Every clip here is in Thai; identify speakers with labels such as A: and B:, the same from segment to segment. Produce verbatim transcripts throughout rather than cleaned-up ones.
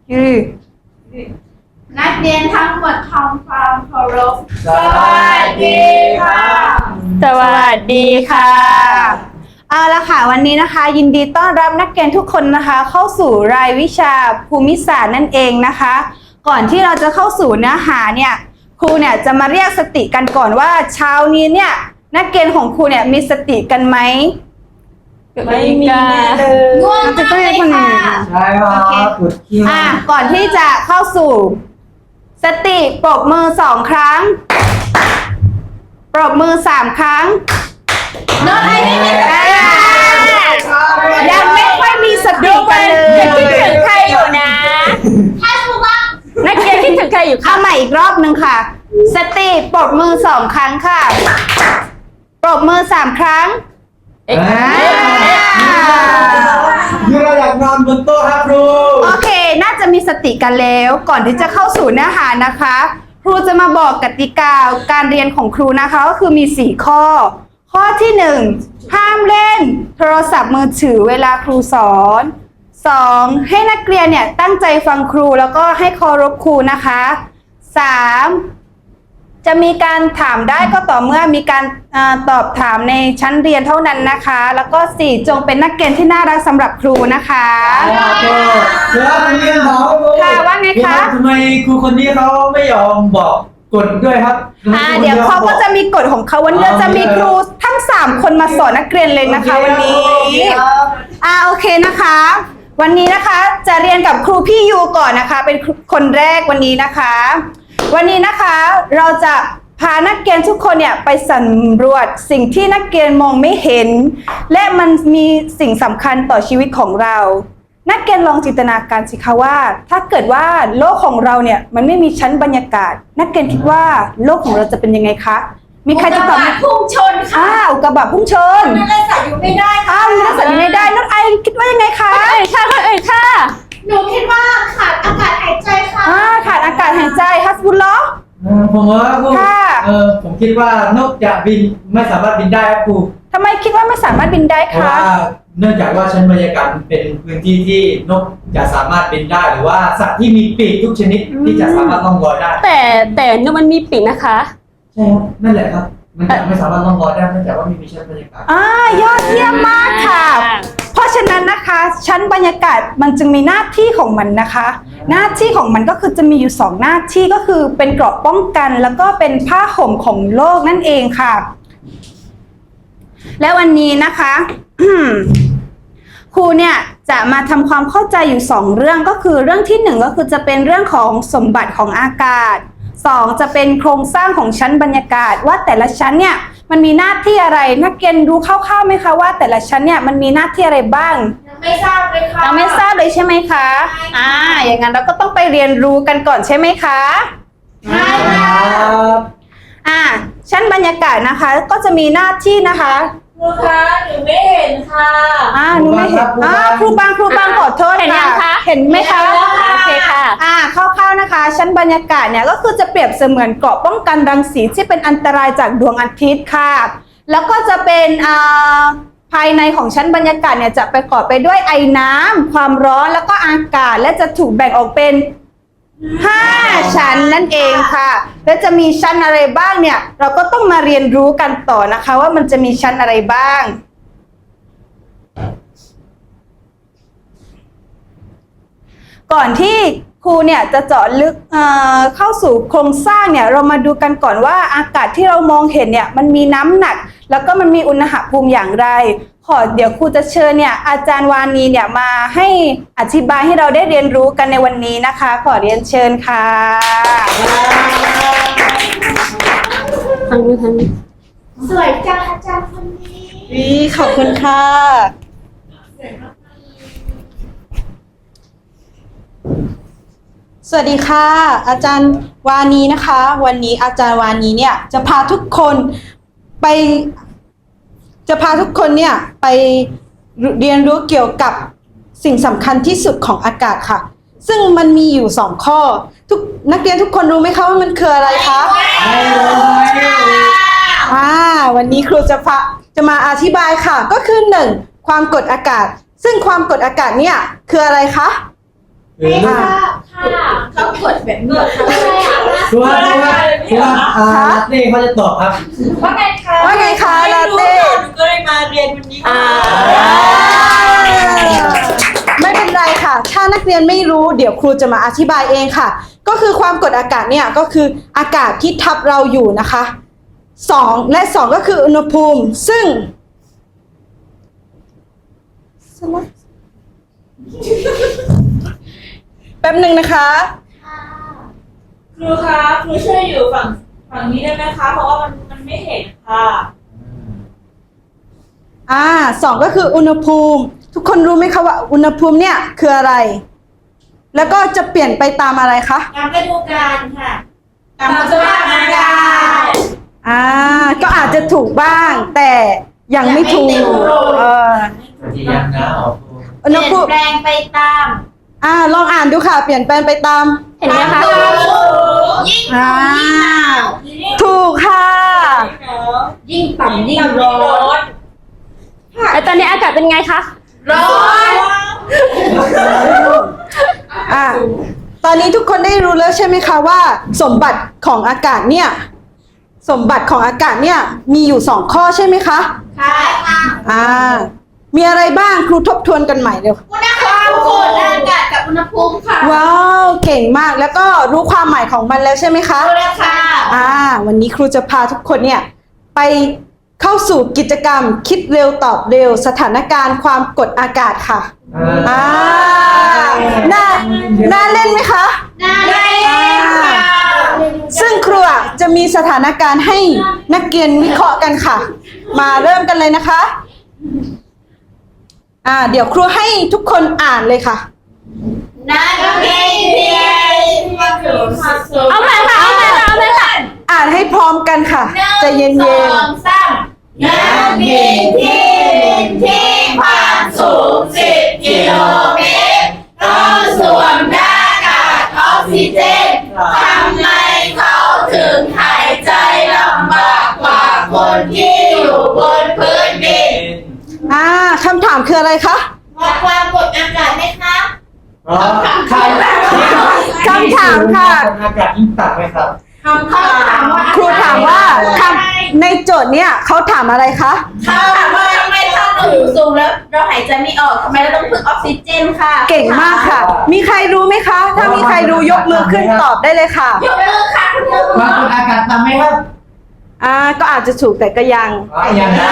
A: คือ
B: นักเรียนทั้งหมดทำความเคารพสวัสดีค่ะ
A: สวัสดีค่ะเอาละค่ะวันนี้นะคะยินดีต้อนรับนักเรียนทุกคนนะคะเข้าสู่รายวิชาภูมิศาสตร์นั่นเองนะคะก่อนที่เราจะเข้าสู่เนื้อหาเนี่ยครูเนี่ยจะมาเรียกสติกันก่อนว่าเช้านี้เนี่ยนักเรียนของครูเนี่ยมีสติกันไหม
C: ไม่มีเลย
B: ง่วงมากเลยค่ะ
C: ใช่ครับปวดขี้
A: อ่ะก่อนที่จะเข้าสู่สติปรบมือสองครั้งปรบมือสามครั้ง
B: โน้ตไอ้นี่ไม่ได้
A: ยังไม่ค่อยมีสติกันเลย
D: คิดถึงใครอยู่นะ
B: ถ้าสมมติว่า
D: นักเรียนคิดถึงใครอยู่
A: เอาใหม่อีกรอบหนึ่งค่ะสติปรบมือสองครั้งค่ะปรบมือสามครั้ง
D: เอ๊ะ
A: อ่า
C: คือเราอยากนอนบนโต๊ะครับครู
A: โอเคน่าจะมีสติกันแล้วก่อนที่จะเข้าสู่เนื้อหานะคะครูจะมาบอกกติกาการเรียนของครูนะคะก็คือมีสี่ข้อข้อที่หนึ่งห้ามเล่นโทรศัพท์มือถือเวลาครูสอนสองให้นักเรียนเนี่ยตั้งใจฟังครูแล้วก็ให้เคารพครูนะคะสามจะมีการถามได้ก็ต่อเมื่อมีการเออตอบถามในชั้นเรียนเท่านั้นนะคะแล้วก็สี่จงเป็นนักเรียนที่น่ารักสำหรับครูนะคะ
C: ครับครูเดี๋ยวผมเรียนถามครู
A: ค่ะว่าไงคะ
C: ทำไมครูคนนี้เขาไม่ยอมบอกกฎด้วยครับ
A: อ่าเดี๋ยวเขาก็จะมีกฎของเขาวันนี้จะมีครูทั้งสามคนมาสอนนักเรียนเลยนะคะวันนี้อ่าโอเคนะคะ วันนี้นะคะจะเรียนกับครูพี่ยูก่อนนะคะเป็นคนแรกวันนี้นะคะ วันนี้นะคะเราจะพานักเรียนทุกคนเนี่ยไปสำรวจสิ่งที่นักเรียนมองไม่เห็น และมันมีสิ่งสำคัญต่อชีวิตของเรา นักเรียนลองจินตนาการสิคะว่า ถ้าเกิดว่าโลกของเราเนี่ยมันไม่มีชั้นบรรยากาศ นักเรียนคิดว่าโลกของเราจะเป็นยังไงคะมีใครจะตอบไหม
B: พุ่งชนค่ะ
A: อ้าวกระบะพุ่งชน
B: นั่นเลยสัตว์อยู่ไม่ได้ค่ะ
A: อ้าวมีนักสัตว์อยู่ในได้นักไอคิดว่ายังไงคะ
D: เอ้ยค่ะเอ้ยค่ะ
B: หนูคิดว่าขาดอากาศหายใจค่ะ
A: อ่าขาดอากาศหายใจฮัสบุลลอฮ์
C: เออผมว่าครู
A: ค่ะ
C: เออผมคิดว่านกจะบินไม่สามารถบินได้ครับครู
A: ทำไมคิดว่าไม่สามารถบินได้
C: เพราะ
A: คะ
C: ว่าเนื่องจากว่าชั้นบรรยากาศมันเป็นพื้นที่ที่นกจะสามารถบินได้หรือว่าสัตว์ที่มีปีกทุกชนิดที่จะสามารถล่องลอยได้
D: แต่แต่นกมันมีปีกนะคะ
C: ใช่ครับนั่นแหละครับ มันจะไม่สามารถล่องลอยได้เนื่องจากว่าไม่มีชั้นบรรยากาศ
A: อ่ายอดเยี่ยมมากค่ะ เพราะฉะนั้นนะคะชั้นบรรยากาศมันจึงมีหน้าที่ของมันนะคะ หน้าที่ของมันก็คือจะมีอยู่สองหน้าที่ก็คือเป็นเกราะป้องกัน แล้วก็เป็นผ้าห่มของโลกนั่นเองค่ะ และวันนี้นะคะ ครูเนี่ยจะมาทำความเข้าใจอยู่สองเรื่องก็คือเรื่องที่หนึ่งก็คือจะเป็นเรื่องของสมบัติของอากาศสองจะเป็นโครงสร้างของชั้นบรรยากาศว่าแต่ละชั้นเนี่ยมันมีหน้าที่อะไรนักเรียนรู้คร่าวๆไหมคะว่าแต่ละชั้นเนี่ยมันมีหน้าที่อะไรบ้าง
B: ยังไม่ทราบเลยค่ะ
A: เราไม่ทราบเลยใช่ไหมคะอ่าอย่างนั้นเราก็ต้องไปเรียนรู้กันก่อนใช่ไหมคะ
B: ใช่
C: ค
B: ค่ะ
C: รับ
A: อ่าชั้นบรรยากาศนะคะก็จะมีหน้าที่นะคะ
B: ครูคะหนูไม่เห็นค่ะ
A: อ่าหนูไม่เห็นอ่าครูบางครูบางขอโทษ
D: เห็นยังคะ
A: เห็นไหมคะ
D: โอเคค่ะ
A: อ่าคร่าวๆนะคะ ชั้นบรรยากาศเนี่ยก็คือจะเปรียบเสมือนเกราะป้องกันรังสีที่เป็นอันตรายจากดวงอาทิตย์ค่ะแล้วก็จะเป็นอ่าภายในของชั้นบรรยากาศเนี่ยจะประกอบไปด้วยไอน้ำความร้อนแล้วก็อากาศและจะถูกแบ่งออกเป็นห้าชั้นนั่นเองค่ะและจะมีชั้นอะไรบ้างเนี่ยเราก็ต้องมาเรียนรู้กันต่อนะคะว่ามันจะมีชั้นอะไรบ้างก่อนที่ครูเนี่ยจะเจาะลึกเอ่อเข้าสู่โครงสร้างเนี่ยเรามาดูกันก่อนว่าอากาศที่เรามองเห็นเนี่ยมันมีน้ำหนักแล้วก็มันมีอุณหภูมิอย่างไรขอเดี๋ยวครูจะเชิญเนี่ยอาจารย์วานีเนี่ยมาให้อธิบายให้เราได้เรียนรู้กันในวันนี้นะคะขอเรียนเชิญค่ะ
D: ทางนี้ทางนี้
B: สวยจังอาจารย์คนนี้
A: วีขอบคุณค่ะสวัสดีค่ะ อาจารย์วานีนะคะ วันนี้อาจารย์วานีเนี่ยจะพาทุกคนไป จะพาทุกคนเนี่ยไปเรียนรู้เกี่ยวกับสิ่งสำคัญที่สุดของอากาศค่ะ ซึ่งมันมีอยู่สองข้อทุกนักเรียนทุกคนรู้ไหมคะว่ามันคืออะไรคะอ่าวันนี้ครูจะพาจะมาอธิบายค่ะก็คือหนึ่งความกดอากาศ ซึ่งความกดอากาศเนี่ยคืออะไรคะ
C: คือ
B: ไม่ทราบค่ะเขากดแบบนี้ค่ะ
C: คือว่าคือว่าคือว่าอ่านี่เขาจะตอบครับ
B: ว่าไงคะ
A: ว่าไงคะลาเต้
B: หนูก็เลยมาเรียนวันนี้
D: อ่า
A: ไม่เป็นไรค่ะ ถ้านักเรียนไม่รู้เดี๋ยวครูจะมาอธิบายเองค่ะ ก็คือความกดอากาศเนี่ยก็คืออากาศที่ทับเราอยู่นะคะสองและสองก็คืออุณหภูมิ ซึ่งแป๊บหนึ่งนะคะ
B: ครูคะครูช่วยอยู่ฝั่งฝั่งนี้ได้ไหมคะ เพราะว่ามันมันไม่เห็นค่ะ
A: อ่าสองก็คืออุณหภูมิ ทุกคนรู้ไหมคะว่าอุณหภูมิเนี่ยคืออะไร แล้วก็จะเปลี่ยนไปตามอะไรคะ
B: ตามฤดูกาลค่ะ ตามสภาพอากาศ
A: อ่าก็อาจจะถูกบ้าง แต่ยังไม่ถูก
B: ยังไม่เต็มร้อย
A: เออ
C: จะยังนะออก
A: อุณ
B: เป
A: ห
B: ลี่ยน
A: ภูมิ
B: แปลงไปตาม
A: อ่าลองอ่านดูค่ะ เปลี่ยนแปลงไปตาม
D: เห็นไหมคะ
B: ยิ่ง
A: อ่า
B: ยิ่ง
A: ถูกค่ะ
B: ยิ่งต่ำยิ่งร้อน
D: แล้วตอนนี้อากาศเป็นไงคะ
B: ร้อน
A: อ่าตอนนี้ทุกคนได้รู้แล้วใช่ไหมคะว่า สมบัติของอากาศเนี่ยสมบัติของอากาศเนี่ยมีอยู่สองข้อใช่ไหมคะ
B: ใช่ค่ะ
A: อ่ามีอะไรบ้างครูทบทวนกันใหม่เร็ว
B: อุณหภูมิกดอากาศกับอุณหภูมิค่ะ
A: ว้าวเก่งมากแล้วก็รู้ความหมายของมันแล้วใช่ไหมคะ
B: รู้แล้วค่ะ
A: อ่าวันนี้ครูจะพาทุกคนเนี่ยไปเข้าสู่กิจกรรมคิดเร็วตอบเร็วสถานการณ์ความกดอากาศค่ะอ่าน่าน่าเล่นไหมคะ
B: น่าเล่นค่ะ
A: ซึ่งครูอ่ะจะมีสถานการณ์ให้นักเรียนวิเคราะห์กันค่ะ มาเริ่มกันเลยนะคะอ่าเดี๋ยวครูให้ทุกคนอ่านเลยค่ะ
B: นักเรียนมาสู่มาสู่
D: เอาใหม่ค่ะ เอาใหม่ค่ะ เอาใหม่ค่ะ
A: อ่านให้พร้อมกันค่ะใจเย็
B: ส
A: น
B: องสามนักบินที่บินที่ความสูงสิบกิโลเมตรต้องสวมหน้ากากออกซิเจนทำไมเขาถึงหายใจลำบากกว่าคนที่อยู่บนพื้นดิน
A: ๆอ่าคำถามคืออะไรคะ
B: วัดความกดอากาศไหมคะ
C: อ๋อใคร
A: คำถามค่ะ
C: อากาศยิ่งต่ำไหมครับ
B: คำถามว่า
A: ครูถามว่าคำในโจทย์เนี่ยเขาถามอะไรคะ
B: เขาถามว่าทำไมถ้าเราอยู่สูงแล้วเราหายใจไม่ออกทำไมเราต้องพึ่งออกซิเจนค่ะ
A: เก่งมากค่ะ มีใครรู้ไหมคะ ถ้ามีใครรู้ยกมือขึ้นตอบได้เลยค่ะ
B: ยกมือค่ะคุณครู
C: ความกดอากาศต่ำไหมครับ
A: อ่าก็อาจจะถูกแต่ก็ยัง
C: อ๋อยังนะ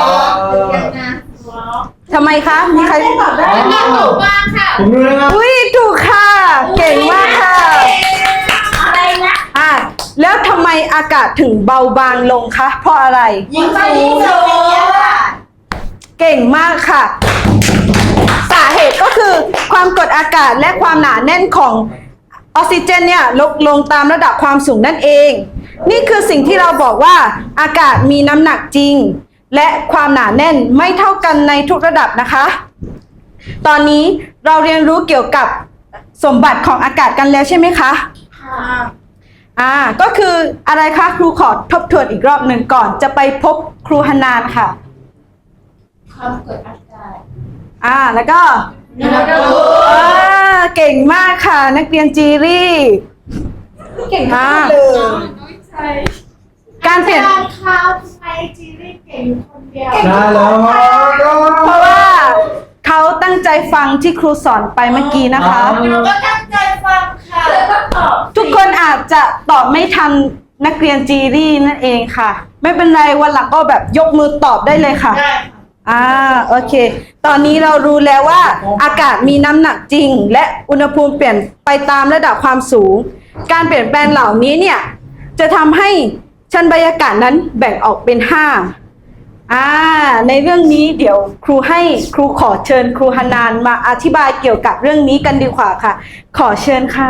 A: ทำไมคะ มีใคร
B: ตอบได้ไหมถูกบ้างค่ะ
C: ผมรู้แล้วครับ
A: อุ้ยถูกค่ะ เก่งมากค่ะ
B: อะไรนะ
A: อ่าแล้วทำไมอากาศถึงเบาบางลงคะ เพราะอะไร
B: ยิ่งสูงยิ่งสูงค่ะ
A: เก่งมากค่ะ สาเหตุก็คือความกดอากาศและความหนาแน่นของออกซิเจนเนี่ยลดลงตามระดับความสูงนั่นเอง นี่คือสิ่งที่เราบอกว่าอากาศมีน้ำหนักจริง และความหนาแน่นไม่เท่ากันในทุกระดับนะคะ ตอนนี้เราเรียนรู้เกี่ยวกับสมบัติของอากาศกันแล้วใช่ไหมคะอ่าก็คืออะไรคะครูขอทบทวนอีกรอบหนึ่งก่อนจะไปพบครูฮานานค่ะ
B: ความกดอากาศ
A: อ่าแล้วก็
B: อุณหภูมิ
A: อ่าเก่งมากค่ะ นักเรียนจีรี่เก่งมากเลยการเปลี่ยน
B: ข้าวทำไมจีรี่เก่งคนเดียว
C: ได้แล้วก็
A: เพราะว่าเขาตั้งใจฟังที่ครูสอนไปเมื่อกี้นะคะ
B: หนูก็ตั้งใจฟังค่ะแล้วก็ตอบ
A: ทุกคนอาจจะตอบไม่ทันนักเรียนจีรี่นั่นเองค่ะ ไม่เป็นไรวันหลังก็แบบยกมือตอบได้เลยค่ะ
B: ได้ค่ะ
A: อ่าโอเค ตอนนี้เรารู้แล้วว่าอากาศมีน้ำหนักจริง และอุณหภูมิเปลี่ยนไปตามระดับความสูง การเปลี่ยนแปลงเหล่านี้เนี่ยจะทำให้ชั้นบรรยากาศนั้นแบ่งออกเป็นห้าอ่าในเรื่องนี้เดี๋ยวครูให้ครูขอเชิญครูฮานานมาอธิบายเกี่ยวกับเรื่องนี้กันดีกว่าค่ะ ขอเชิญค่ะ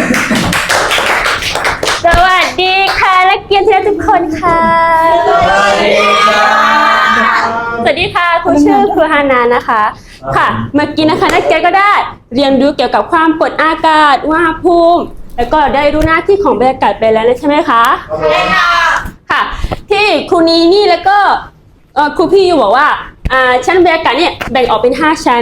D: สวัสดีค่ะนักเรียนที่รักทุกคนค่ะ
C: สวัสดีครับ
D: สวัสดีค่ะครูชื่อครูฮานานะคะ ค่ะ เมื่อกี้นะคะนักเรียนก็ได้เรียนรู้เกี่ยวกับความกดอากาศอุณหภูมิ แล้วก็ได้รู้หน้าที่ของบรรยากาศไปแล้วนะใช่ไหมคะ
B: ได้ค่ะ
D: ค่ะ ที่ครูนีนี่แล้วก็เอ่อครูพี่อยู่บอกว่าอ่าชั้นบรรยากาศเนี่ยแบ่งออกเป็นห้าชั้น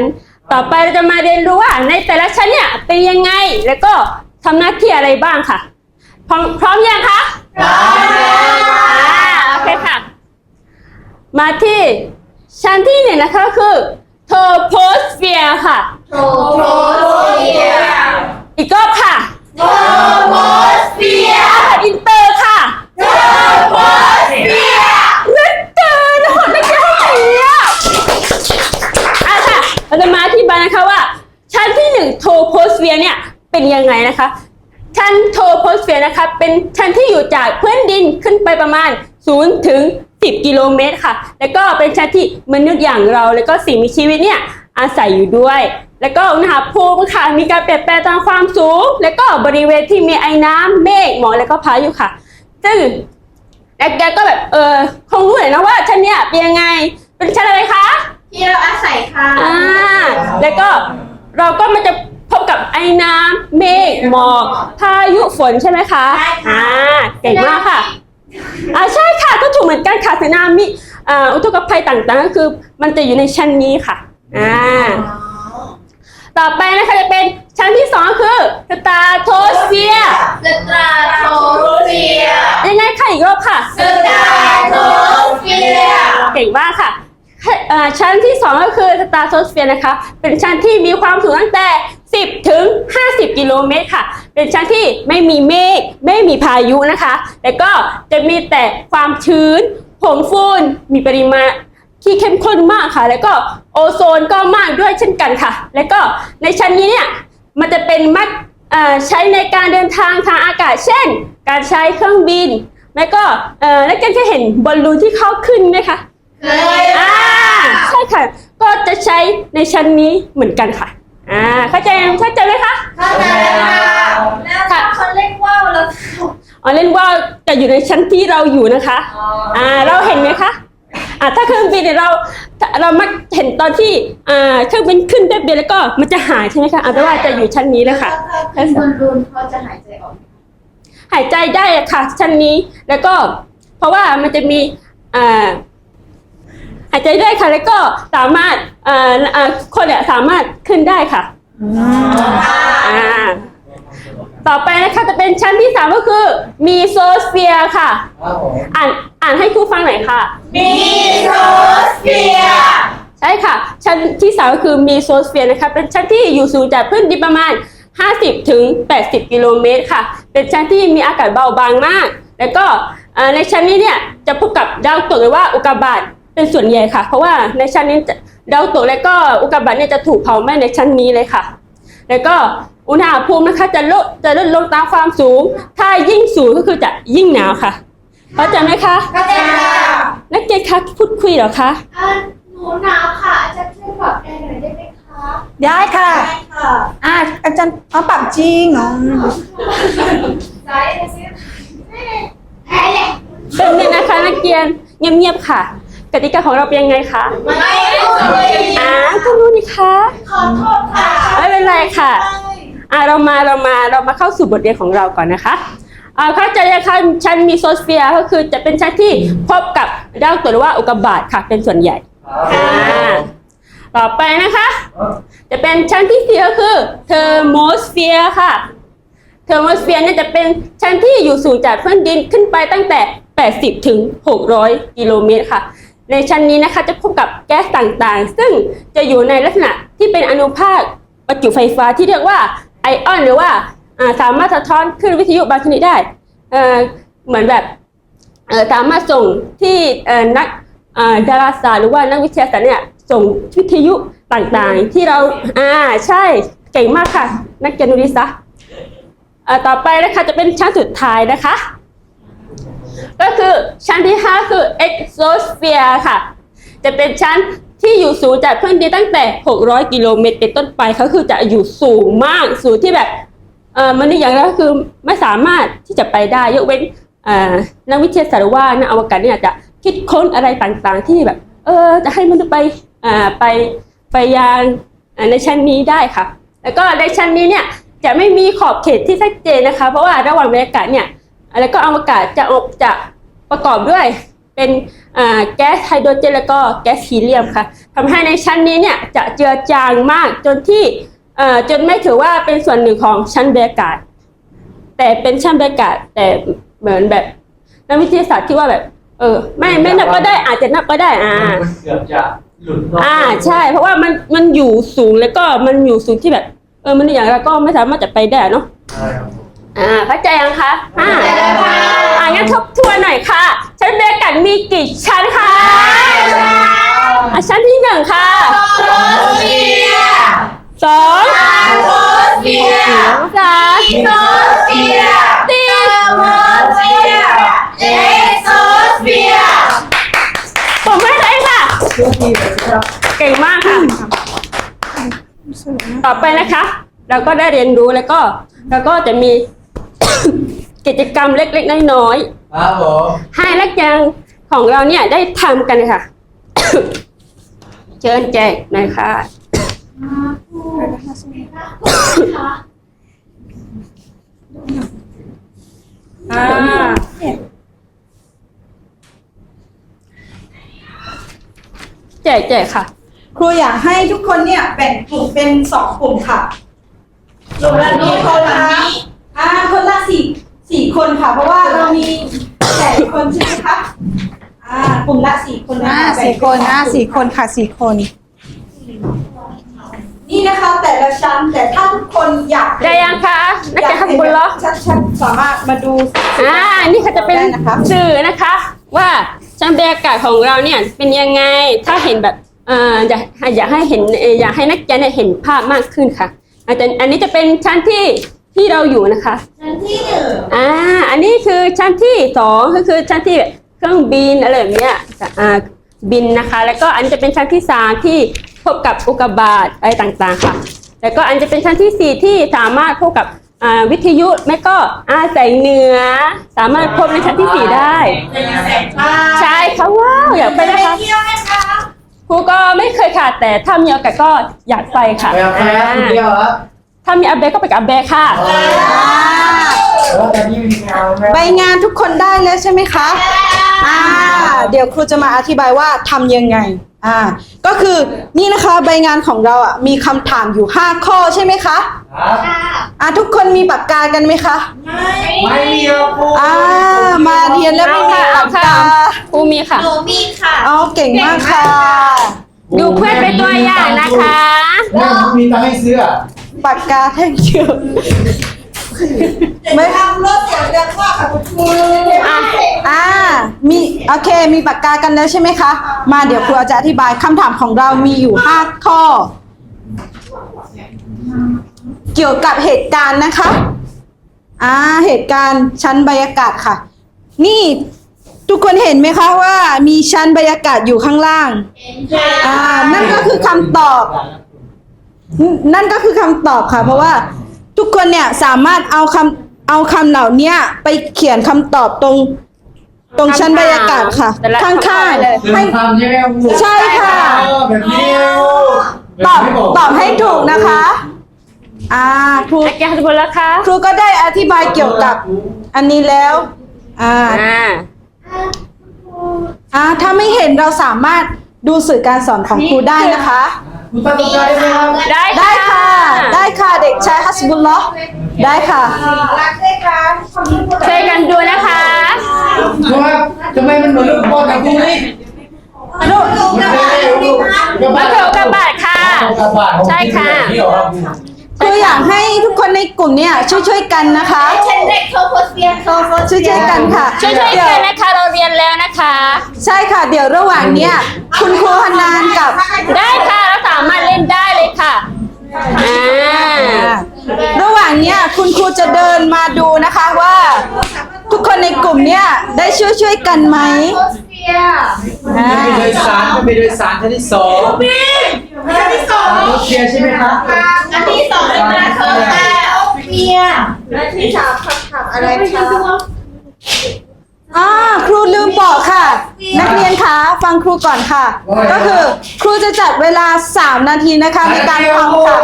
D: ต่อไปเราจะมาเรียนรู้ว่าในแต่ละชั้นเนี่ยเป็นยังไงแล้วก็ทำหน้าที่อะไรบ้างค่ะพร้อมพร้อมยังคะพร้อมแล้วค่ะโอเคค่ะมาที่ชั้นที่หนึ่งนะคะก็คือโทโพสเฟียร์ค่ะ
B: โทโพสเฟียร์
D: อีกรอบค่ะ
B: โทโพสเฟียร์
D: อินเตอร์ค่ะ
B: โทโพสเฟียร์
D: นึกเกินหดไม่เกี่ยวกับเนี่ยอ่ะค่ะเราจะมาอธิบายนะคะว่าชั้นที่หนึ่งโทโพสเฟียร์เนี่ยเป็นยังไงนะคะชั้นโทโพสเฟียร์นะคะเป็นชั้นที่อยู่จากพื้นดินขึ้นไปประมาณศูนย์ถึงสิบกิโลเมตรค่ะแล้วก็เป็นชั้นที่มนุษย์อย่างเราแล้วก็สิ่งมีชีวิตเนี่ยอาศัยอยู่ด้วยแล้วก็อุณหภูมิค่ะมีการเปลี่ยนแปลงตามความสูงแล้วก็บริเวณที่มีไอ้น้ำเมฆหมอกแล้วก็พายุค่ะซึ่งแกก็แบบเออคงรู้เลยนะว่าชั้นเนี้ยเป็นยังไงเป็นชั้นอะไรคะ
B: ที่เราอาศัยค่ะ
D: อ่าแล้วก็เราก็มันจะพบกับไอ้น้ำเมฆหมอกพายุฝนใช่ไหมคะอ่าเก่งมากค่ะอ่าใช่ค่ะก็ถูกเหมือนกันค่ะสึนามิอ่าอุทกภัยต่างๆก็คือมันจะอยู่ในชั้นนี้ค่ะอ่าต่อไปนะคะจะเป็นชั้นที่สองคือสตาโทสเฟียร์
B: สตราโทสเฟียร์
D: ยังไงค่ะอีกรอบค่ะ
B: สตราโทสเฟียร์
D: เก่งมากค่ะเอ่อชั้นที่สองก็คือสตาร์โซสเฟียร์นะคะเป็นชั้นที่มีความสูงตั้งแต่สิบถึงห้าสิบกิโลเมตรค่ะเป็นชั้นที่ไม่มีเมฆไม่มีพายุนะคะแล้วก็จะมีแต่ความชื้นผงฝุ่นมีปริมาณที่เข้มข้นมากค่ะแล้วก็โอโซนก็มากด้วยเช่นกันค่ะแล้วก็ในชั้นนี้เนี่ยมันจะเป็นมักเอ่อใช้ในการเดินทางทางอากาศเช่นการใช้เครื่องบินแล้วก็เอ่อแล้วกันจะเห็นบอลลูนที่เข้าขึ้นไหมคะ
B: เคย
D: อ่าใช่ค่ะก็จะใช้ในชั้นนี้เหมือนกันค่ะอ่าเข้าใจเข้าใจไหมคะ
B: เข้าใจค่ะแล้วถ้าเขาเล่นว่าวแล้ว
D: อ๋อเล่นว่าจะอยู่ในชั้นที่เราอยู่นะคะอ่าเราเห็นไหมคะอ่าถ้าเครื่องบินเนี่ยเราเรามักเห็นตอนที่อ่าเครื่องบินขึ้นแป๊บเดียวแล้วก็มันจะหายใช่ไหมคะอ่าแปลว่าจะอยู่ชั้นนี้เลยค่ะ
B: ถ้าบอลลูนเขาจะหายใจออก
D: หายใจได้อะค่ะชั้นนี้แล้วก็เพราะว่ามันจะมีอ่าหายใจได้ค่ะแล้วก็สามารถเอ่อเอ่อคนเนี่ยสามารถขึ้นได้ค่ะอ่าต่อไปนะคะจะเป็นชั้นที่สามก็คือมีโซสเฟียร์ค่ะ
C: ครับผม
D: อ่านอ่านให้ครูฟังหน่อยค่ะ
B: มีโซสเฟียร์
D: ใช่ค่ะชั้นที่สามก็คือมีโซสเฟียร์นะคะเป็นชั้นที่อยู่สูงจากพื้นดินประมาณห้าสิบถึงแปดสิบกิโลเมตรค่ะเป็นชั้นที่มีอากาศเบาบางมากแล้วก็เอ่อในชั้นนี้เนี่ยจะพบกับดาวตกหรือว่าอุกกาบาตเป็นส่วนใหญ่ค่ะเพราะว่าในชั้นนี้ดาวตกและก็อุกกาบาตเนี่ยจะถูกเผาไหม้ในชั้นนี้เลยค่ะแล้วก็อุณหภูมินะคะจะลดจะลดลงตามความสูงถ้ายิ่งสูงก็คือจะยิ่งหนาวค่ะเข้าใจไหมคะ
B: เข้าใจค่ะ
D: นักเรียนคะพูดคุยเหรอคะ
B: อ่าหนูหนาวค่ะอาจารย์ช่วยปรับแอร์หน่อยได้ไหมคะ
A: ได้ค่ะ
B: ได้ค่ะ
A: อ่าอาจารย์เอาปรับจริงเนาะ
B: ได้เลยสิแอร์เลย
D: เป็นเนี่ยนะคะนักเรียนเงียบๆค่ะกติกาของเราเป็นยังไงคะ
B: ไม่รู้เลย
D: อ่าก็รู้นี่คะ
B: ขอโทษค่ะ
D: ไม่เป็นไรค่ะอ่าเรามาเรามาเรามาเข้าสู่บทเรียนของเราก่อนนะคะอ่าเข้าใจนะคะชั้นมีโซสเฟียร์ก็คือจะเป็นชั้นที่พบกับดาวตกหรือว่าอุกกาบาตค่ะเป็นส่วนใหญ่อ่าต่อไปนะคะ จะเป็นชั้นที่สี่ก็คือเทอร์โมสเฟียร์ค่ะเทอร์โมสเฟียร์เนี่ยจะเป็นชั้นที่อยู่สูงจากพื้นดินขึ้นไปตั้งแต่แปดสิบถึงหกร้อยกิโลเมตรค่ะในชั้นนี้นะคะจะพบกับแก๊สต่างๆซึ่งจะอยู่ในลักษณะที่เป็นอนุภาคประจุไฟฟ้าที่เรียกว่าไอออนหรือว่าอ่าสามารถสะท้อนคลื่นวิทยุบางชนิดได้เอ่อเหมือนแบบเอ่อสามารถส่งที่เอ่อนักอ่าดาราศาสตร์หรือว่านักวิทยาศาสตร์เนี่ยส่งวิทยุต่างๆที่เราอ่าใช่เก่งมากค่ะนักเรียนดูดิซะอ่าต่อไปนะคะจะเป็นชั้นสุดท้ายนะคะก็คือชั้นที่ห้าคือ exosphere ค่ะจะเป็นชั้นที่อยู่สูงจากพื้นดินตั้งแต่หกร้อยกิโลเมตรเป็นต้นไปเขาคือจะอยู่สูงมากสูงที่แบบเอ่อมนุษย์อย่างเราคือไม่สามารถที่จะไปได้ยกเว้นเอ่อนักวิทยาศาสตร์หรือว่านักอวกาศเนี่ยจะคิดค้นอะไรต่างๆที่แบบเออจะให้มนุษย์ไปอ่าไปไปยังในชั้นนี้ได้ค่ะแล้วก็ในชั้นนี้เนี่ยจะไม่มีขอบเขตที่ชัดเจนนะคะเพราะว่าระหว่างบรรยากาศเนี่ยแล้วก็อวกาศจะออกจะประกอบด้วยเเป็นอ่าแก๊สไฮโดรเจนแล้วก็แก๊สฮีเลียมค่ะทำให้ในชั้นนี้เนี่ยจะเจือจางมากจนที่เอ่อจนไม่ถือว่าเป็นส่วนหนึ่งของชั้นบรรยากาศแต่เป็นชั้นบรรยากาศแต่เหมือนแบบนักวิทยาศาสตร์ที่ว่าแบบเออไม่ไม่นับก็ได้อาจจะนับก็ได้อ่า
C: มันเกือบจะหลุดนอก
D: อ่าใช่เพราะว่ามันมันอยู่สูงแล้วก็มันอยู่สูงที่แบบเออมันอย่างไรก็ไม่สามารถจะไปได้เนาะ
C: ใช่ครับผม
D: อ่าเข้าใจยังคะอ่า
B: เข้าใจแล้วค่ะ
D: อ่างั้นทบทวนหน่อยค่ะชั้นบรรยากาศมีกี่ชั้นคะอ่าชั้นที่หนึ่งค่ะ
B: โลเฟีย
D: สอง
B: โลเฟีย
D: สาม
B: โลเฟีย
D: สี่
B: โลเฟียเอโซเฟีย
D: ผมไม่ได้ค่ะ
C: เชื่อพี่เลยครับ
D: เก่งมากค่ะ ต่อไปนะคะ เราก็ได้เรียนรู้แล้วก็แล้วก็จะมี กิจกรรมเล็กๆน้อย
C: ครับผม
D: ๆให้นักเรียนของเราเนี่ยได้ทำกันค่ะ เชิญแจกหน่อยค่ะอ่าแจกแจกค่ะ
A: ครูอยากให้ทุกคนเนี่ยแบ่งกลุ่มเป็นสองกลุ่มค่ะกลุ่มละกี่คนคะอ่าคนละสี่สี่คนค่ะ เพราะว่าเรามีแปดคนใช่ไหมคะอ่ากลุ่มละสี่คนนะ
E: อ่า
A: คะ
E: สี่คนอ่าสี่คนค่ะสี่คน
A: นี่นะคะแต่ละชั้นแต่ถ้าทุกคนอยาก
D: ได้ยังคะนัก
A: อยา
D: เรีย
A: ก
D: นข้าง
A: เห็น
D: บนเหรอ
A: ชัดๆสามารถมาดู
D: อ่า นี่เขาจะเป็น
A: ได้นะคะ
D: สื่อนะคะ ว่าชั้นบรรยากาศของเราเนี่ยเป็นยังไง ถ้าเห็นแบบเอ่ออยากอยากให้เห็นเอ่ออยากให้นักเรียนเนี่ยเห็นภาพมากขึ้นค่ะอาจจะอันนี้จะเป็นชั้นที่ที่เราอยู่นะคะ
B: ชั้นที่หนึ่ง
D: อ่า อันนี้คือชั้นที่สองก็คือชั้นที่เครื่องบินอะไรแบบเนี้ยอ่าบินนะคะ แล้วก็อันนี้จะเป็นชั้นที่สามที่พบกับอุกกาบาตอะไรต่างๆค่ะ แล้วก็อันจะเป็นชั้นที่สี่ที่สามารถพบกับอ่าวิทยุแม่ก็อาแสงเหนือ สามารถพบในชั้นที่สี่ได้
B: จะยังแสงฟ้า
D: ใช่ค่ะว้าวอยากไปนะคะ
B: เที่ยวไหมคะ
D: ครูก็ไม่เคยค่ะแต่ถ้ามีโอกาสก็อยากไปค่ะ
C: ไปเอาไปครับคนเดียวครับ
D: ถ้ามีอาเบก็ไปกับอาเบค่ะ
C: แต่ว่าตอนนี้มีงานไหม
E: ใบงานทุกคนได้แล้วใช่ไหมคะอ่าเดี๋ยวครูจะมาอธิบายว่าทำยังไงอ่าก็คือนี่นะคะใบงานของเราอ่ะมีคำถามอยู่ห้าข้อใช่ไหมคะ
C: ครับ
E: อ่าทุกคนมีปากกากันไหมคะ
C: ไม่มีครับครู
E: อ่ามาเรียนแล้วไม่มี
D: เอา
E: ปาก
D: ค่ะ
E: กา
D: ครูมีค่ะ
B: หนูมีค่ะ
E: อ๋อเก่งมากค่ะ
D: ดูเพื่อนเป็นตัวอย่างนะคะ
C: แม่ผมมีตังค์ให้ซื้ออะ
E: ปากกาแท่งเดียว
B: ไม่ทำรถเสียงดังมากค่ะคุณครู
D: อ่ะ
E: อ่ามีโอเคมีปากกากันแล้วใช่ไหมคะ มาเดี๋ยวครูจะอธิบายคำถามของเรามีอยู่ห้าข้อ เกี่ยวกับเหตุการณ์นะคะ อ่าเหตุการณ์ชั้นบรรยากาศค่ะ นี่ทุกคนเห็นไหมคะว่ามีชั้นบรรยากาศอยู่ข้างล่าง อ่า นั่นก็คือคำตอบ นั่นก็คือคำตอบค่ะ เพราะว่าทุกคนเนี่ยสามารถเอาคำเอาคำเหล่านี้ไปเขียนคำตอบตรงตรงชั้นบรรยากาศค่ะ
D: แต่ละ
E: ข้าง
D: ข้อเลย
E: ๆ
C: ให้
E: ให้
C: ทำใช่ไหมครับครู
E: ใช่ค่ะ
C: เออแบบนี้
E: ตอบตอบให้ถูกนะคะ อ่าครู
D: นักเรียนทุกคนแล้วคะ
E: ครูก็ได้อธิบายเกี่ยวกับอันนี้แล้ว อ่า
D: อ่า
E: อ่าถ้าไม่เห็นเราสามารถดูสื่อการสอนของครูได้นะคะ
C: ครูตั้งใจได้ไหมครับ
D: ได้
E: ได้ค่ะ ได้ค่ะเด็กชายฮัสบุลลอฮ์ได้ค่ะ
B: รักด้วยกัน
D: ช่วยกันดูนะคะ
C: ครูครับทำไมมันเหมือนลูกบอลนะครูนี่
E: ลูก
C: มันเป็นอะไรลูก
D: มาเถอะกระบาดค่ะ
C: กระบาดของ
D: ใช่ค่ะ
C: นี่เหรอครับครู
E: ครูอยากให้ทุกคนในกลุ่มเนี่ยช่วยๆกันนะคะ
B: ฉันเด็กโทโพสเฟียโทโพส
E: ช่วยๆกันค่ะ
D: ช่วยๆ
E: เดี๋
D: กั
E: ย
D: น
E: ว
D: นะคะ เราเรียนแล้วนะคะ
E: ใช่ค่ะ เดี๋ยวระหว่างเนี้ยคุณครูฮานานกับ
D: ได้ค่ะเราสามารถเล่นได้เลยค่ะ อ่า
E: ระหว่างเนี้ยคุณครูจะเดินมาดูนะคะว่า ทุกคนในกลุ่มเนี้ยได้ช่วยช่วยๆกันไหม
B: โพสเฟีย
E: อ่า
C: จะไปโดยสารจะไปโดยสารชั้นที่สอง
B: อันที่สอง
C: รถเชียร์ใช่ไหมครับ
B: อันที่สองเป็นกระเทยแต่โอเฟียอันที่สามคำถามอะไรคะ
E: อ่าครูลืมบอกค่ะ นักเรียนคะฟังครูก่อนค่ะ ก็คือครูจะจัดเวลาสามนาทีนะคะในการทำค่ะ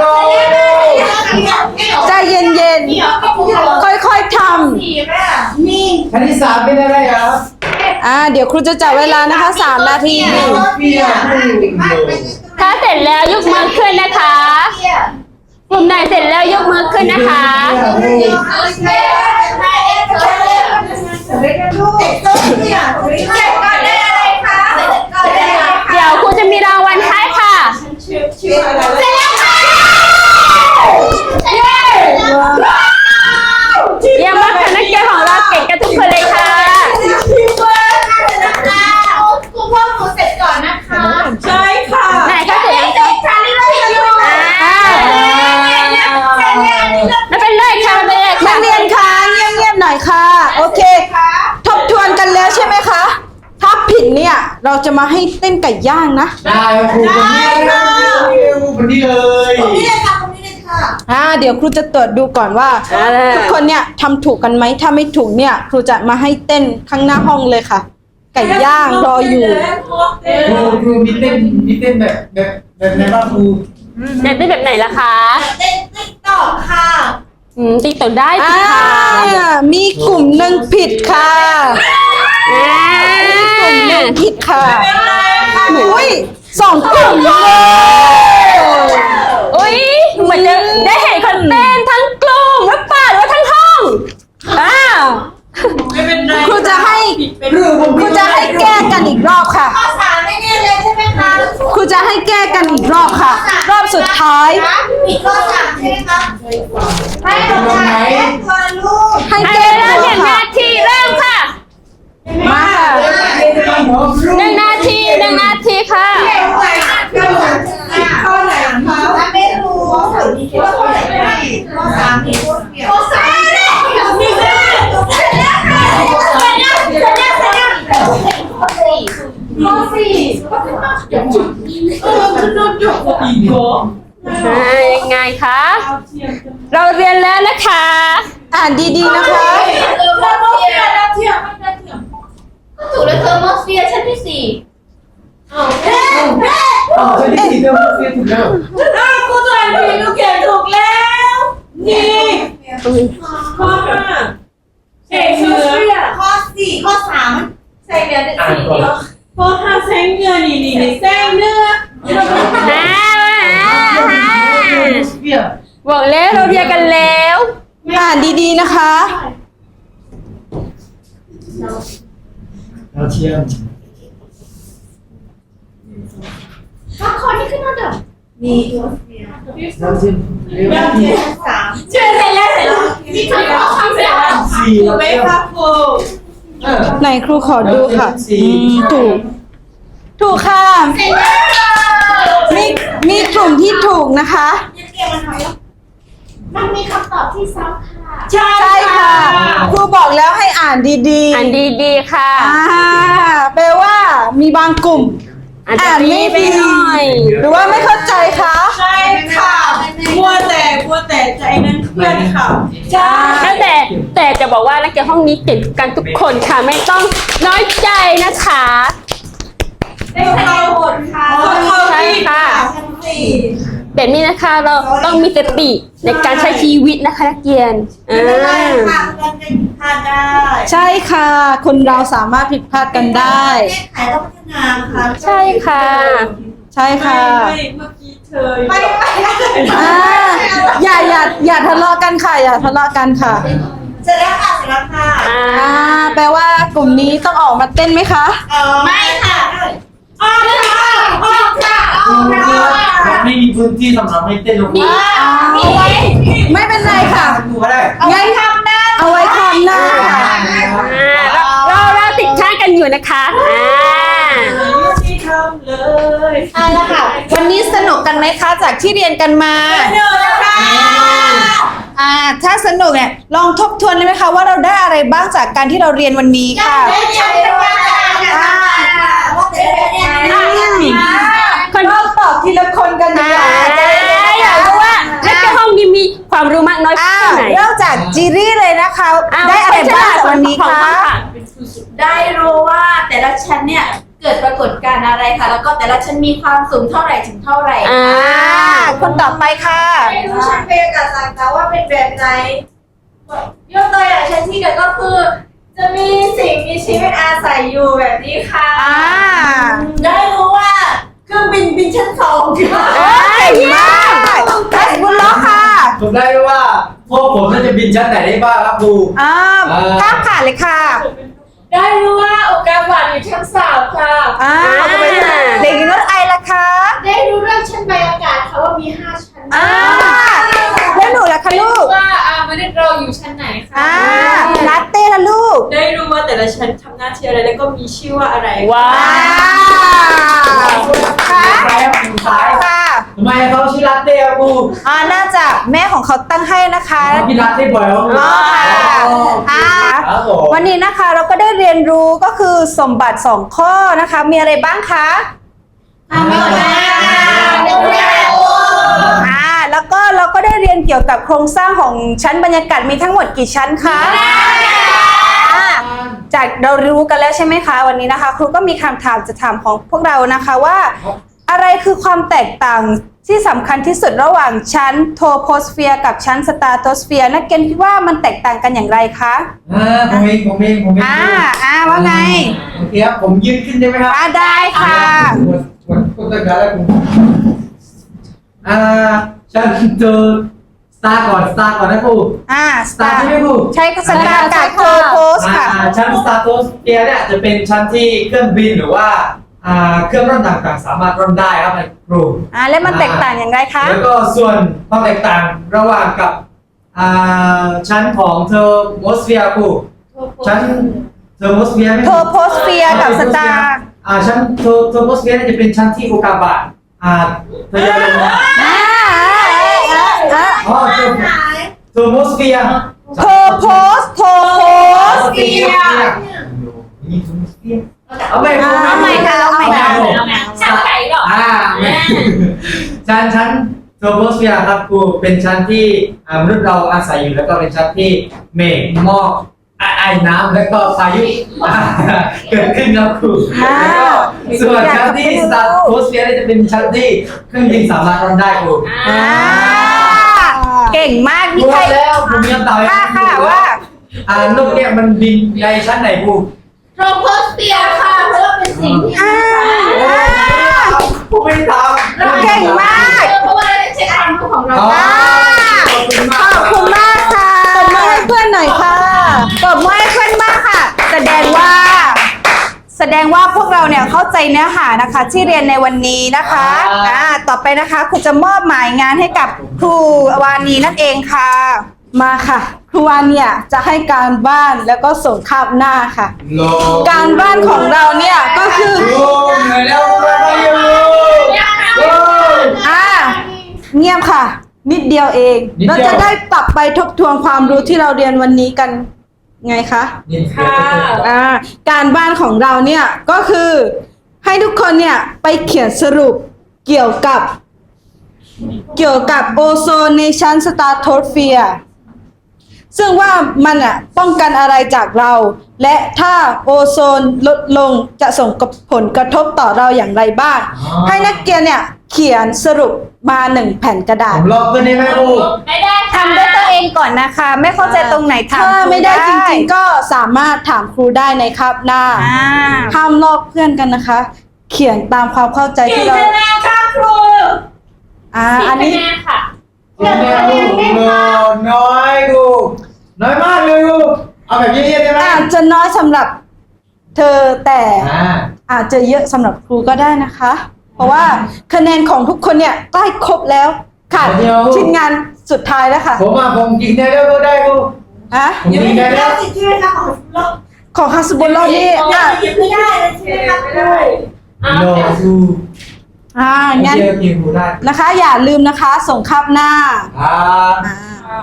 E: ใจเย็นๆ ค่อยๆท
B: สี่แม่นี่
C: ชั้นที่สามเป็นอะไรครับ
E: ำอ่าเดี๋ยวครูจะจับเวลานะคะสามนาที
D: ถ้าเสร็จแล้วยกมือขึ้นนะคะกลุ่มไหนเสร็จแล้วยกมือขึ้นนะคะ เดี๋ยวครูจะมีรางวัลให้ค่ะเยี่ยมมากค่ะนักเรียนของเราเก่งกันทุกคนเลยค่ะ
B: ใช่ค่ะ
D: ไหนคะเสร็จยังคะอ่าไม่เป็นไรค่ะไม่เป็นไร
E: นั
D: ค่ะ
E: กเรียนคะเงียบๆหน่อยค่ะ โอเค ทบทวนกันแล้วใช่ไหมคะ ถ้าผิดเนี่ยเราจะมาให้เต้นไก่ย่างนะ
C: ได้ครับครูคนนี้คนนี้เลย
E: อ่าเดี๋ยวครูจะตรวจดูก่อนว่า ทุกคนเนี่ยทำถูกกันไหมถ้าไม่ถูกเนี่ยครูจะมาให้เต้นข้างหน้าห้องเลยค่ะ ไก่ย่างรออยู่
C: ครูครูมีเต้นมีเต้นแบบแบบแบบไหนบ้างครู
D: อยากได้แบบไหนล่ะคะ
B: เต้นติ๊กตอกค่ะ
D: อืมติ๊กต่อได้
E: อ่า
D: สิค่ะ
E: มีกลุ่มหนึ่งผิดค่ะ
D: อ่าก
E: ลุ่มหนึ่งผิดค่ะอุ้ยสองกลุ่มเลย
D: อุ้ยเหมือนจะได้เห็นคนเต้นทั้งกลุ่มหรือเปล่าหรือว่าทั้งห้องอ้าว
B: ไม่เป็นไร
E: ครูจะให้
C: ครูผม
E: ครูจะให้แก้กันอีกรอบค่ะ
B: ข้อสามไม่แน่เลยใช่ไหมคะ
E: ครูจะให้แก้กันอีกรอบค่ะ รอบสุดท้าย
B: ผิดข้อสามใช่ไหมคะให้ลงมาแก้ตัวลูก
E: ให้
D: ให้
E: แก้
D: เวลา
E: ก่อน
D: หนึ่ง
E: ค่ะ
D: นาทีเริ่มค่ะ
E: มาค่ะ
D: หนึ่งนาทีหนึ่งนาทีค่ะ
B: ข้อไหนคะไม่รู้ข้อสามมีข้อไหนข้อสามมีข้อเดียวข้อสามมีเสร็จแล้วเสร็จแล้วเสร็จแล้วเสร็จแล้วเสร็จแล้วข้อสี่ข้อสี่เออคือโดนจบอีกเหรอ
D: อ่ายังไงคะ เราเรียนแล้วนะคะ
E: อ่านดีๆนะคะ
B: เออมอสเฟียร์แล้วเทียมมันจะเทียมก็ถูกแล้วเธอมอสเฟียร์ชั้นที่สี่อ้าวเฮ้เฮ้
C: อ๋อฉันที่สี่เดิมเรียนถูกแล้ว
B: อ้าวกูตัวเองผิดกูเขียนถูกแล้ว นี่ข้อห้าใส่เนื้อข้อสี่ข้อสามใส่เนื้อเด็ดสี่เดียวข้อห้าใส่เนื้อนี่นี่นี่ใส่เนื้อ
D: อ่าอ่า
C: เปีย
D: บอกแล้วเราเรียนกันแล้ว
E: อ่านดีๆนะคะ
C: เราเทียม
B: ข้อข้อที่ขึ้นมาเดิมมีมอสเฟียร์
C: เราเทียมเรียน
B: เทียมสามเชื่อเสร็จแล้วเสร็จแล้วนี่คือข้อคำเสร็จแล้ว
C: สี่
B: ถูกไหมคะครู
C: เออ
E: ไหนครูขอดูค่ะอืมถูก ถูกค่ะ
B: เสร็จแล้ว
E: มีมีกลุ่มที่ถูกนะคะ
B: ยังเก็บมันหน่อยมันมีคำตอบที่ซ้ำค่ะ
E: ใช่ค่ะ ครูบอกแล้วให้อ่านดีๆ
D: อันดีๆค่ะ
E: อ่าแปลว่ามีบางกลุ่ม
D: อาจจะ
E: อ่านไม่
D: ดีไป
E: ดี
D: หน่อย
E: หรือว่าไม่เข้าใจคะ
F: ใช่ค่ะมัวแต่มัวแต่ใจนั้นเพื่อนค่ะ
E: ใช่
D: แต่แต่จะบอกว่านักเรียนห้องนี้เก่งกันทุกคนค่ะไม่ต้องน้อยใจนะคะ
B: ได้คะแนนหมดค่ะ
D: ใช่ค่ะ
B: ชั้นสี่
D: แบบนี้นะคะเราต้องมีสติในการใช้ชีวิตนะคะนักเรียนอ่า
B: ไม่ได้ค่ะมันเป็นพลาดได้
E: ใช่ค่ะ คนเราสามารถผิดพลาดกันได้
B: แก้ไขต้องพัฒนาค่ะ
D: ใช่ค่ะ
E: ใช่ค่ะ
F: ไม่เมื่อกี้เธอ
B: ไม่ไม่
E: อ่าอย่าอย่าอย่าทะเลาะกันค่ะ อย่าทะเลาะกันค่ะ
B: เสร็จแล้วค่ะเสร็จแล้วค่ะ
D: อ่า
E: อ่า แปลว่ากลุ่มนี้ต้องออกมาเต้นไหมคะ
B: เออไม่ค่ะออกค่ะออกค่ะออกค่ะ
C: เราไม่มีพื้นที่สำหรับให้เต้นลงมา
B: มีไว้
E: ไม่เป็นไรค่ะ
C: ดูก็ได้
E: งั้นเอาไว้คำหน้าค่ะ
D: อ่าเราเราเราติดข้างกันอยู่นะคะอ่า
F: ที่ทำเลย
A: เอาละค่ะ วันนี้สนุกกันไหมคะจากที่เรียนกันมา
F: เดี๋ยวนะคะ
A: อ่า ถ้าสนุกเนี่ยลองทบทวนได้ไหมคะว่าเราได้อะไรบ้างจากการที่เราเรียนวันนี้ค่ะ
B: ได้ใช้เป็นว่าค่ะว่าแต่เนี่ย
D: คน
E: เราตอบทีละคนกันดี
D: อ่าก
E: ว่า
D: อยากรู้ว่านักเรียนห้องนี้มีความรู้มากน้อย
A: อ่า
D: แค่ไหน
A: เริ่มจากจีรี่เลยนะคะ
D: อ่า
A: ได้อะไรบ้างจากวันนี้
D: ของ
A: คะ
D: ห้อง
G: ได้รู้ว่าแต่ละชั้นเนี่ยเกิดปรากฏการณ์อะไรค่ะ แล้วก็แต่ละชั้นมีความสูงเท่าไหร่ถึงเท่าไหร่
D: อ่า
A: อ่า คนต่อไปค่ะ
B: ไม่รู้ชั้นบรรยากาศต่างๆว่าเป็นแบบไหน
G: ยกตัวอย่างชั้นที่เกิดก็คือจะมีสิ่งมีชีวิตอาศัยอยู่แบบนี้ค่ะ
A: อ่า
F: ได้รู้ว่าเครื่องบินบินชั้นสองค่ะ
A: เอ้ยเก่งมากทัสบุลล้อค่ะ
C: ผมได้รู้ว่าพวกผมน่าจะบินชั้นไหนได้บ้างครับครู
A: อ่า
C: อ่า
A: ข้ามผ่านเลยค่ะ
G: ได้รู้ว่าอุกกาบาตอยู่ชั้นสามค่ะ
A: อ่าเด็กหญิงรถไอล่ะคะ
G: ได้รู้เรื่องชั้นบรรยากาศค่ะว่ามีห้าชั้น
A: อ่าแล้วหนูล่ะคะลูก
G: ว่าอ่ามนุษย์เราอยู่ชั้นไหนคะ
A: อ่าลาเต้ละลูก
F: ได้รู้ว่าแต่ละชั้นทำหน้าที่อะไรแล้วก็มีชื่อว่าอะไร
D: ว้า
A: อ่าว ค่ะ
C: ใครครับคุณซ้าย
A: ค่ะ
C: ทำไมเขาชื่อลาเต้ครับครู
A: อ่าน่าจะแม่ของเขาตั้งให้นะคะ
C: กินลาเต้บ่อยครับครู
A: อ๋อค่ะอ่า
C: ครับผม
A: วันนี้นะคะเราก็ได้เรียนรู้ก็คือสมบัติสองข้อนะคะ มีอะไรบ้างคะ
C: อ่า
A: อ่าแล้วก็เราก็ได้เรียนเกี่ยวกับโครงสร้างของชั้นบรรยากาศมีทั้งหมดกี่ชั้นคะอ่าจากเรารู้กันแล้วใช่ไหมคะ วันนี้นะคะครูก็มีคำถามจะถามของพวกเรานะคะว่า อะไรคือความแตกต่างที่สำคัญที่สุดระหว่างชั้นโทโพสเฟียร์กับชั้นสตาร์โตสเฟียร์นักเรียนคิดว่ามันแตกต่างกันอย่างไรคะ
C: อ่าผมเองผมเองผมเอง
A: อ่าอ่าว่าไง
C: โอเคครับผมยืนขึ้นได้ไหมครับ
A: อ่าได้ค่ะ
C: วันวันต้นกันแล้วคุณอ่าฉันเจอสตาร์ก่อนสตาร์ก่อนนะครู
A: อ่า
C: สตาร์ใช่ไหมครู
A: ใช่ค่ะสตาร์กับโทโพส
C: อ่า
A: ค่ะ
C: ชั้นสตาร์โตสเฟียร์เนี่ยจะเป็นชั้นที่เครื่องบินหรือว่าอ่าเครื่องร่อนต่างๆ สามารถร่อนได้ครับในครู
A: อ่าแล้วมันแตกต่างอย่างไรคะ
C: แล้วก็ส่วนความแตกต่างระหว่างกับอ่าชั้นของเทอร์โมสเฟียร์ครูชั้นเทอร์โมสเฟียร์ไหม
A: โทโพสเฟียร์กับสตาร์
C: อ่าชั้นเทอร์เทอร์โมสเฟียร์เนี่ยจะเป็นชั้นที่อุกกาบาตอ่าทะยานลงมา
A: อ่าอ่าอ่า
C: อ๋อเทอร์เทอร์โมสเฟียร์
A: โทโพสโทโพส
C: เฟียร์นี่เทอร์โมสเฟียร์เอาใหม่
A: เอาใหม่ค่ะเอาใหม่ค่ะ
G: ชั้นไหนหรอ
C: อ่าไม่ชั้นชั้นเทอร์โมสเฟียร์ครับครูเป็นชั้นที่อ่ามนุษย์เราอาศัยอยู่แล้วก็เป็นชั้นที่เมฆหมอกไอน้ำแล้วก็พายุอ่าเกิดขึ้นครับครูแล้วก็ส่วนชั้นที่สตาร์โพสเฟียร์เนี่ยจะเป็นชั้นที่เครื่องบินสามารถร่อนได้ครู
A: อ่าเก่งมาก
C: รู้
A: นี่ใคร
C: แล้วผมมีคำตอบให้
A: ค่ะค่ะว่า
C: อ่านกเนี่ยมันบินในชั้นไหนครู
G: โทรโพสเฟียร์ค่ะเพราะว่าเป็นสิ่งที่
A: อ่าอ่า
C: ผมไม่ทำ
A: เก่งมาก
G: เพราะว่าได้ใช้ความรู้ของเรา
C: อ๋อ
A: อ่า
C: ขอบคุณมาก
A: ขอบคุณมากค่ะ
E: ตบมือให้เพื่อนหน่อยค่ะ
A: ตบมือให้เพื่อนมากค่ะ แสดงว่า แสดงว่าพวกเราเนี่ยเข้าใจเนื้อหานะคะ ที่เรียนในวันนี้นะคะอ่าต่อไปนะคะครูจะมอบหมายงานให้กับครูวานีนั่นเองค่ะ
E: มาค่ะ ครูวานเนี่ยจะให้การบ้านแล้วก็ส่งคาบหน้าค่ะ
C: โล
E: การบ้านของเราเนี่ยก็คือ
C: โอ้เหนื่อยแล้วไปอยู่โอ้
E: อ่าเงียบค่ะ นิดเดียวเอง
C: นิดเดียว
E: เราจะได้ปรับไปทบทวนความรู้ที่เราเรียนวันนี้กันไงคะ
C: นี่
G: ค่ะ
E: อ่าการบ้านของเราเนี่ยก็คือให้ทุกคนเนี่ยไปเขียนสรุปเกี่ยวกับ เกี่ยวกับโอโซนในชั้นสตาร์โทสเฟียร์ซึ่งว่ามันอ่ะป้องกันอะไรจากเรา และถ้าโอโซนลดลงจะส่งผลกระทบต่อเราอย่างไรบ้าง ให้นักเรียนเนี่ยเขียนสรุปมาหนึ่งแผ่นกระดา
C: ผ
E: ษ
C: มลอกเพื่อนได้ไหมครู
G: ไม่ได้ค่ะ
A: ทำด้วยตัวเองก่อนนะคะ ไม่เข้าใจตรงไหนถาม
E: ถ้า
A: ครู
E: ไม่ได้จริงๆก็สามารถถามครูได้ในคาบหน้า
A: อ่า
E: ห้ามลอกเพื่อนกันนะคะ เขียนตามความเข้าใจ
G: กี่
E: ที่เรา
G: คะแนนค่ะครู
E: อ่า
G: สี่
E: อัน
G: คะ
E: นี้
G: แนนค่ะ
C: กินแน่ครูน้อยครูน้อยมากเลยครูเอาแบบเยี่ยมๆได้ไหม
E: อาจจะน้อยสำหรับเธอแต่
C: อ่า
E: อาจจะเยอะสำหรับครูก็ได้นะคะ เพราะว่าคะแนนของทุกคนเนี่ยใกล้ครบแล้วค่ะ
C: เดี๋ยว
E: ชิ้นงานสุดท้ายแล้วค่ะ
C: ผมอ่ะผมกินได้แล้วก็ได้ครู
E: อะ
C: ผมกินได้แล้ว
F: สิใช่ไหมคะของเรา
E: ของฮัสบุลลอนี่
F: ยั
E: อ่ะ
F: งไม่ได้เลยใช่ไหมคะ
G: ไม่ได้อ่ะ
C: โลครู
E: อ่างั้น
C: เยอะกินครูได้
E: นะคะ อย่าลืมนะคะ ส่งคาบหน้า
C: อ่า
E: อ่า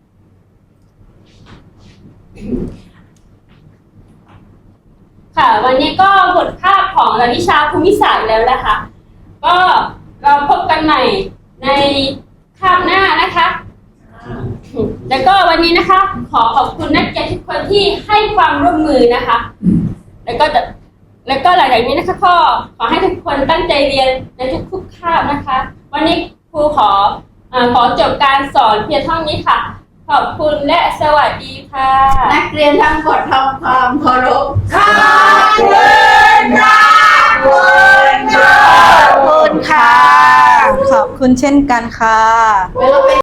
D: ค่ะ วันนี้ก็บทภาพของเราวิชาภูมิศาสตร์แล้วนะคะ ก็เราพบกันใหม่ในคาบหน้านะคะ แล้วก็วันนี้นะคะ ขอขอบคุณนักเรียนทุกคนที่ให้ความร่วมมือนะคะ แล้วก็จะแล้วก็หลังจากนี้นะคะก็ขอให้ทุกคนตั้งใจเรียนในทุกๆคาบนะคะ วันนี้ครูขอเอ่อขอจบการสอนเพียงเท่านี้ค่ะขอบคุณและสวัสดีค่ะ
G: นักเรียนทั้งหมดทำความเคารพ
B: ขอบคุณค่ะขอบคุณค่ะ
E: ขอบคุณค่ะ ขอบคุณเช่นกันค่ะ
G: แล้วก็เป็น